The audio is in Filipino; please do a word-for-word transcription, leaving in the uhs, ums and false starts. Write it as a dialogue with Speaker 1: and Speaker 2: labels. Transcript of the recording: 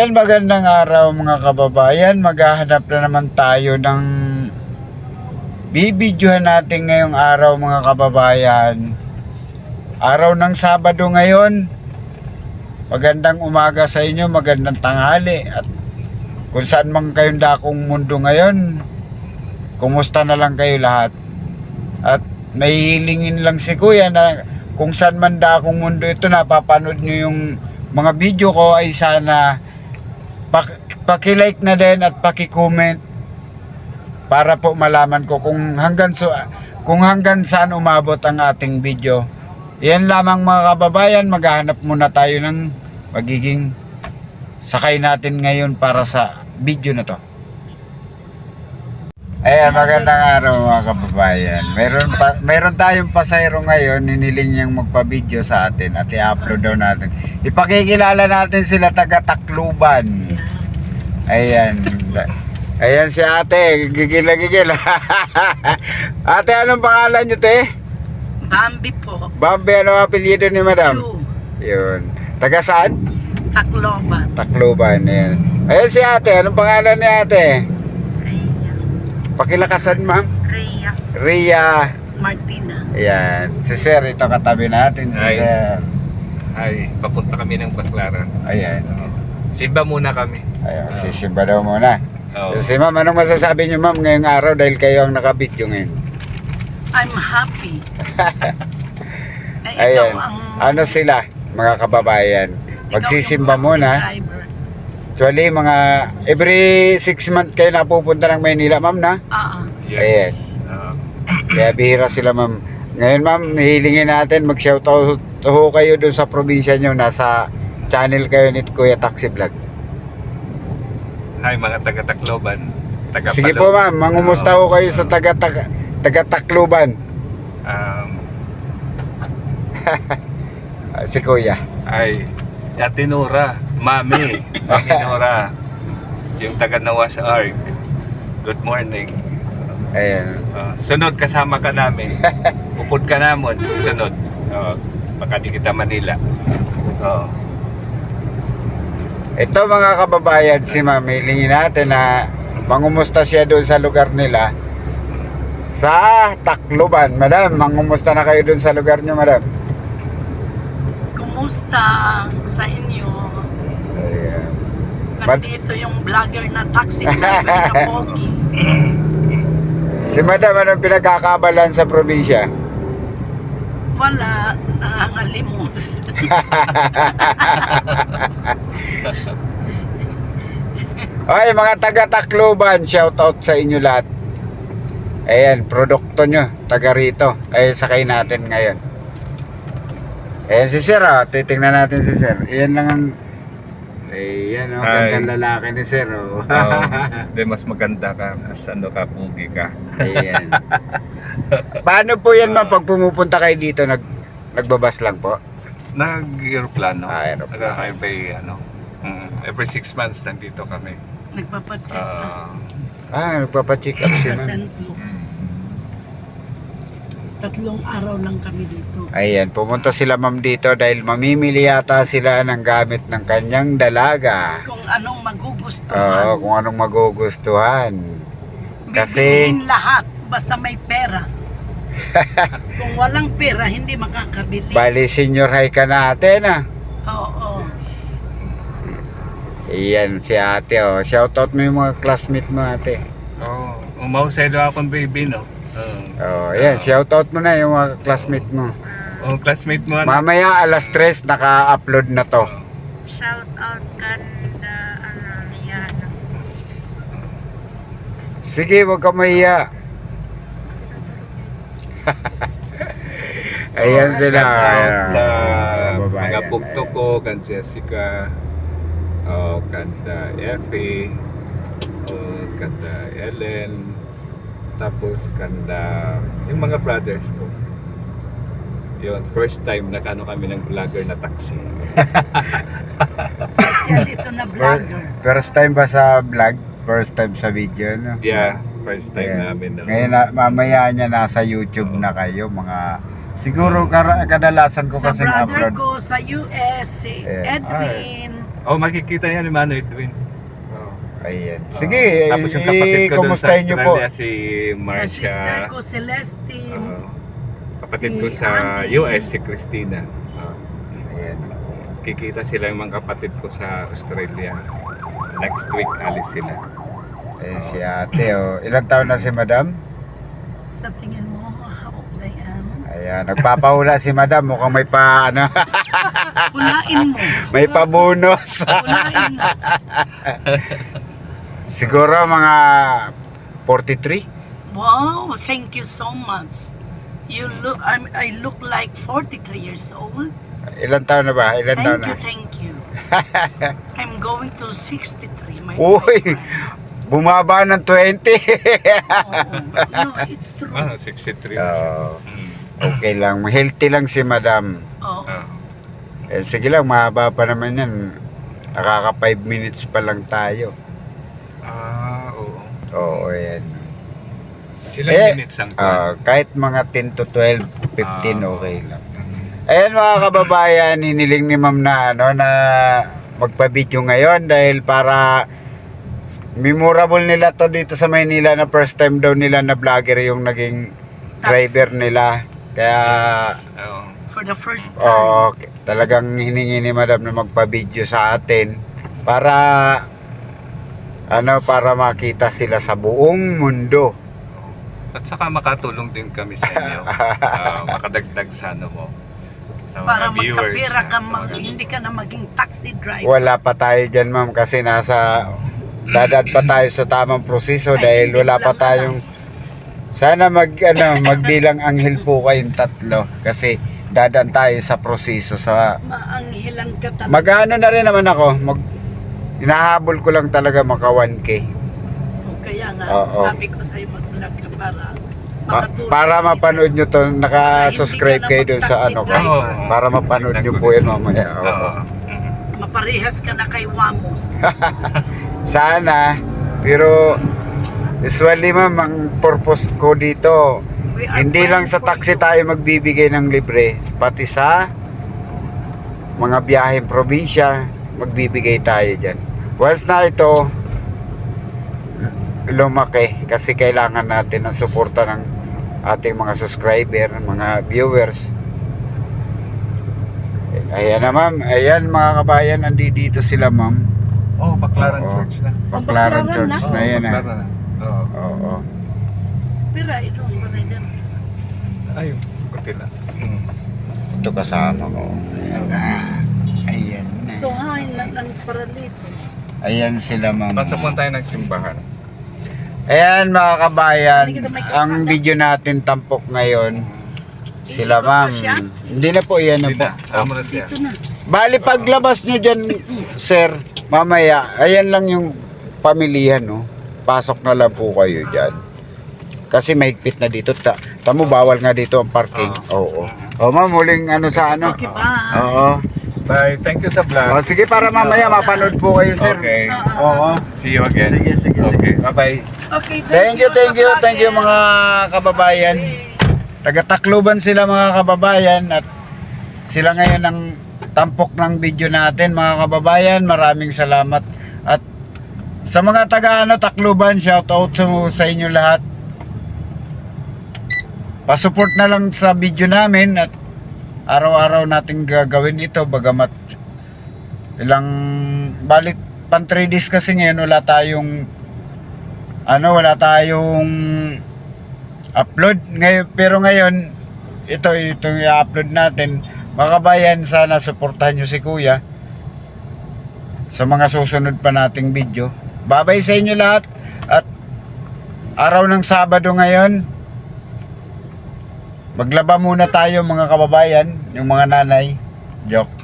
Speaker 1: Ayan, magandang araw mga kababayan. Maghahanap na naman tayo ng bibidyohan natin ngayong araw mga kababayan. Araw ng Sabado ngayon. Magandang umaga sa inyo, magandang tanghali. At kung saan man kayong dakong mundo ngayon, kumusta na lang kayo lahat. At may hilingin lang si Kuya na kung saan man dakong mundo ito, napapanood nyo yung mga video ko, ay sana paki-like na din at paki-comment para po malaman ko kung hanggang so, kung hanggang saan umabot ang ating video. Yan lamang mga kababayan, maghahanap muna tayo ng magiging sakay natin ngayon para sa video na to. Ayan, magandang araw mga kababayan. Meron pa, meron tayong pasayro ngayon, niniling niyang magpa-video sa atin at i-upload daw natin. Ipakikilala natin sila taga Tacloban. Ayan. Ayan si ate, gigil na gigil. Ate, anong pangalan niyo, te?
Speaker 2: Bambi po.
Speaker 1: Bambi, ano ang apelyido ni madam?
Speaker 2: Chu.
Speaker 1: Yun. Taga saan?
Speaker 2: Tacloban.
Speaker 1: Tacloban, ayan. Ayan si ate, anong pangalan ni ate?
Speaker 2: Rhea.
Speaker 1: Pakilakasan, ma'am.
Speaker 2: Rhea.
Speaker 1: Rhea.
Speaker 2: Martina.
Speaker 1: Ayan. Si sir, ito katabi natin, si
Speaker 3: Ay.
Speaker 1: sir.
Speaker 3: Ay, papunta kami ng Baclaran.
Speaker 1: Ayan.
Speaker 3: Simba muna kami.
Speaker 1: Ayan,
Speaker 3: Oo.
Speaker 1: sisimba daw muna.
Speaker 3: Oo.
Speaker 1: Si ma'am, anong masasabi niyo ma'am ngayong araw dahil kayo ang nakabidyo ngayon?
Speaker 2: I'm happy. Ay,
Speaker 1: Ayan.
Speaker 2: ikaw ang...
Speaker 1: Ano sila, mga kababayan?
Speaker 2: ikaw
Speaker 1: Magsisimba
Speaker 2: yung
Speaker 1: muna.
Speaker 2: subscriber.
Speaker 1: Actually, mga every six months kayo napupunta ng Maynila, ma'am, na?
Speaker 2: Ah, ah.
Speaker 3: Yes. Oo.
Speaker 1: Kaya bihira sila, ma'am. Ngayon, ma'am, hihilingin natin, mag-shoutout ho kayo doon sa probinsya nyo. Nasa channel kayo ni Kuya Taxi Vlog.
Speaker 3: Hi mga taga Tacloban. Taga
Speaker 1: Sige
Speaker 3: Palo.
Speaker 1: po, ma'am. Mangumusta ho kayo sa taga, taga, taga Tacloban.
Speaker 3: Um,
Speaker 1: Si Kuya.
Speaker 3: ay, Ate Nora, Mami, Mami Nora, yung taga Nawas Arc. Good morning.
Speaker 1: Ayan.
Speaker 3: Uh, sunod kasama ka namin. Bukod ka namon, sunod. Uh, baka di kita Manila. Oh.
Speaker 1: Ito mga kababayan, si ma'am, hilingin natin na mangumusta siya doon sa lugar nila sa Tacloban. Madam, mangumusta na kayo doon sa lugar niyo, madam?
Speaker 2: Kumusta sa inyo?
Speaker 1: Ayan. Mad-
Speaker 2: Nandito yung vlogger na taxi driver na Pogi.
Speaker 1: Si madam, anong pinagkakabalan sa probinsya?
Speaker 2: Wala, nangangalimos.
Speaker 1: Ay, mga taga Tacloban, shoutout sa inyo lahat. Ayan, produkto nyo, taga rito. Ay, sakay natin ngayon. Ayan si sir, oh. Titingnan natin si sir. Ayan lang ang... Ayan, oh,
Speaker 3: Hi.
Speaker 1: gandang lalaki ni sir, oh.
Speaker 3: Oh, di mas maganda ka, mas ano ka, pugi ka.
Speaker 1: Ayan. Paano po yan, ma'am, pag pumupunta kayo dito, nag, nagbabas lang po?
Speaker 3: Nag-aeroplano.
Speaker 1: Ah, aeroplano.
Speaker 3: Every, ano, mm, every six months nandito kami.
Speaker 2: Nagpapacheck up.
Speaker 3: Ah,
Speaker 1: Ah, nagpapacheck up si
Speaker 2: sa
Speaker 1: ma'am.
Speaker 2: Saint Luke's. Tatlong araw lang kami dito.
Speaker 1: Ayan, pumunta sila ma'am dito dahil mamimili yata sila ng gamit ng kanyang dalaga.
Speaker 2: Kung anong
Speaker 1: Oo,
Speaker 2: magugustuhan.
Speaker 1: kung anong magugustuhan. Kasi,
Speaker 2: Bibiliin lahat basta may pera. Kung walang pera, hindi makakabili.
Speaker 1: bali senior high ka natin, ah.
Speaker 2: Oo.
Speaker 1: Ayan, si ate, oh. Shoutout mo yung mga classmate mo, ate.
Speaker 3: oh, umawselo akong baby, no? Oh,
Speaker 1: Oh, ayan, shoutout mo na yung mga classmate mo.
Speaker 3: oh classmate mo, ano?
Speaker 1: Mamaya, alas tres, naka-upload na to.
Speaker 2: Shout out kanda ano yan.
Speaker 1: Sige, wag ka mahiya. Ayan
Speaker 3: Oh,
Speaker 1: sila.
Speaker 3: shout out
Speaker 1: Ayan.
Speaker 3: sa
Speaker 1: Babayan.
Speaker 3: mga bugto ko, kan Jessica, oh, kanda Effie, oh, kanda Ellen, tapos kanda yung mga brothers ko. Yun, first time nakano kami ng vlogger na taxi.
Speaker 2: Social ito na vlogger.
Speaker 1: First time ba sa vlog? First time sa video, no?
Speaker 3: Yeah, first time
Speaker 1: Ayan.
Speaker 3: namin. No?
Speaker 1: Ngayon, na, mamaya niya nasa YouTube na kayo, mga... Siguro kar- kadalasan ko
Speaker 2: Sa
Speaker 1: kasing
Speaker 2: brother
Speaker 1: upload.
Speaker 2: ko sa U S, si
Speaker 1: Ayan.
Speaker 2: Edwin.
Speaker 3: Oh, makikita yan ni Mano Edwin. Oh.
Speaker 1: Ayan.
Speaker 3: Oh.
Speaker 1: Sige,
Speaker 3: Tapos yung kapatid ko doon sa
Speaker 1: i-kumustahin niyo po.
Speaker 3: Australia, si
Speaker 2: Sa
Speaker 3: Marcia.
Speaker 2: sister ko, Celestine.
Speaker 3: Oh. Kapatid
Speaker 2: Si
Speaker 3: ko sa
Speaker 2: Andy.
Speaker 3: U S, si Christina. Oh.
Speaker 1: Ayan.
Speaker 3: Kikita sila yung mga kapatid ko sa Australia. Next week, alis sila.
Speaker 1: Eh, si ate, oh. Ilang taon na si madam?
Speaker 2: Sa tingin mo, how old I am?
Speaker 1: Ayan, nagpapahula si madam. Mukhang may pa, ano,
Speaker 2: Pulain mo.
Speaker 1: may pabonus.
Speaker 2: Pulain mo.
Speaker 1: Siguro mga forty-three?
Speaker 2: Wow, thank you so much. You look, I'm, I look like forty-three years old.
Speaker 1: Ilang taon na ba? Ilang taon
Speaker 2: Thank you,
Speaker 1: na?
Speaker 2: thank you. I'm going to sixty-three, my
Speaker 1: Uy!
Speaker 2: boyfriend.
Speaker 1: Bumaba ng twenty.
Speaker 2: Oo. No, it's true.
Speaker 3: Ah, sixty-three na siya.
Speaker 1: Oo.
Speaker 3: Mm.
Speaker 1: Okay lang. Healthy lang si madam.
Speaker 2: Oo.
Speaker 3: Ah.
Speaker 1: Eh, sige lang, mahaba pa naman yan. Nakaka five minutes pa lang tayo.
Speaker 3: Ah, oo.
Speaker 1: Oo, yan.
Speaker 3: Silang
Speaker 1: Eh,
Speaker 3: minutes ang
Speaker 1: Ah, kahit mga ten to twelve, fifteen,
Speaker 3: Ah.
Speaker 1: okay lang. Ayan mga kababayan, hiniling ni ma'am na, ano, na magpa-video ngayon dahil para memorable nila to dito sa Maynila na first time daw nila na vlogger yung naging driver nila. Kaya,
Speaker 3: Oo.
Speaker 2: For the first time.
Speaker 1: oh, talagang hiningi ni madam na magpa-video sa atin para, ano, para makita sila sa buong mundo.
Speaker 3: At saka makatulong din kami sa inyo. Ah, makadagdag sa ano mo. Sa mga
Speaker 2: Para
Speaker 3: viewers.
Speaker 2: magkapira ka,
Speaker 3: sa
Speaker 2: mag,
Speaker 3: mga-
Speaker 2: hindi ka na maging taxi driver.
Speaker 1: Wala pa tayo dyan ma'am kasi nasa dadaan pa tayo sa tamang proseso
Speaker 2: Ay,
Speaker 1: dahil
Speaker 2: hindi
Speaker 1: wala
Speaker 2: ko
Speaker 1: pa
Speaker 2: lang
Speaker 1: tayong sana mag ano magbilang anghel po kayong tatlo kasi dadaan tayo sa proseso sa
Speaker 2: Maanghilan ka talaga.
Speaker 1: magano na rin naman ako mag hinahabol ko lang talaga maka one K
Speaker 2: O, Kaya nga,
Speaker 1: Oo.
Speaker 2: sabi ko sa'yo mag-vlog ka para
Speaker 1: Pa-
Speaker 2: makatulong
Speaker 1: para
Speaker 2: ka
Speaker 1: mapanood
Speaker 2: isa.
Speaker 1: nyo to naka-subscribe
Speaker 2: Hindi ka
Speaker 1: kayo
Speaker 2: na
Speaker 1: dun sa
Speaker 2: mag-taxi
Speaker 1: ano ko
Speaker 2: driver.
Speaker 3: Oo.
Speaker 1: para mapanood nyo po yun mamaya. Oo.
Speaker 3: Oo. Mhm.
Speaker 2: Maparehas ka na kay Wamos.
Speaker 1: Sana pero usually ma'am ang purpose ko dito
Speaker 2: We are
Speaker 1: hindi lang
Speaker 2: praying
Speaker 1: sa
Speaker 2: for
Speaker 1: taxi
Speaker 2: you.
Speaker 1: tayo magbibigay ng libre, pati sa mga biyaheng probinsya, magbibigay tayo dyan. Once na ito, lumaki, kasi kailangan natin ng suporta ng ating mga subscriber, mga viewers. Ayan na ma'am, ayan mga kabayan, nandito sila ma'am.
Speaker 3: Oh, Baclaran
Speaker 1: Oo.
Speaker 3: Church na.
Speaker 1: Baclaran
Speaker 2: Baclaran
Speaker 1: Church
Speaker 2: na?
Speaker 1: na yan ah.
Speaker 3: Baclaran na. Oo.
Speaker 1: Oo.
Speaker 2: Pira, ito ang banay dyan.
Speaker 3: Ayun, kunti lang. Mm.
Speaker 1: Ito kasama ko. Ayan na. Ayan na.
Speaker 2: So, hain na ng paralito.
Speaker 1: Ayan sila ma'am.
Speaker 3: Pasok mo tayo ng simbahan.
Speaker 1: Ayan mga kabayan,
Speaker 2: Hindi kita may
Speaker 1: ang
Speaker 2: kalsada.
Speaker 1: video natin tampok ngayon. Sila
Speaker 2: Ikot pa
Speaker 1: ma'am.
Speaker 2: siya?
Speaker 1: Hindi na po, yan na
Speaker 3: Hindi
Speaker 1: po.
Speaker 3: na. Amo na siya.
Speaker 2: Ito na.
Speaker 1: Bali paglabas nyo dyan, sir, mamaya, ayan lang yung pamilihan, no? Pasok na lang po kayo dyan. Kasi mahigpit na dito. Ta tamo, bawal nga dito ang parking. Oo. O ma'am, muling ano sa ano?
Speaker 2: Okay, bye.
Speaker 1: Oo.
Speaker 3: Bye. Thank you sa
Speaker 1: O,
Speaker 3: vlog.
Speaker 1: sige, para mamaya mapanood po kayo, sir.
Speaker 3: Okay.
Speaker 1: Oo.
Speaker 3: See you again.
Speaker 1: Sige, sige,
Speaker 3: Okay.
Speaker 1: sige.
Speaker 3: Bye-bye.
Speaker 2: Okay,
Speaker 1: Thank you, thank
Speaker 2: sa
Speaker 1: you,
Speaker 2: vlogger.
Speaker 1: thank you mga kababayan. Taga-Tacloban sila mga kababayan at sila ngayon ang tampok ng video natin mga kababayan. Maraming salamat. At sa mga taga ano, Tacloban, shout out sa, sa inyo lahat. Pasupport na lang sa video namin at araw-araw natin gagawin ito bagamat ilang balit pan three days kasi ngayon wala tayong ano wala tayong upload ngayon, pero ngayon ito ito i-upload natin mga kabayan. Sana suportahan nyo si kuya sa mga susunod pa nating video. Babay sa inyo lahat at araw ng Sabado ngayon, maglaba muna tayo mga kababayan, yung mga nanay. Joke.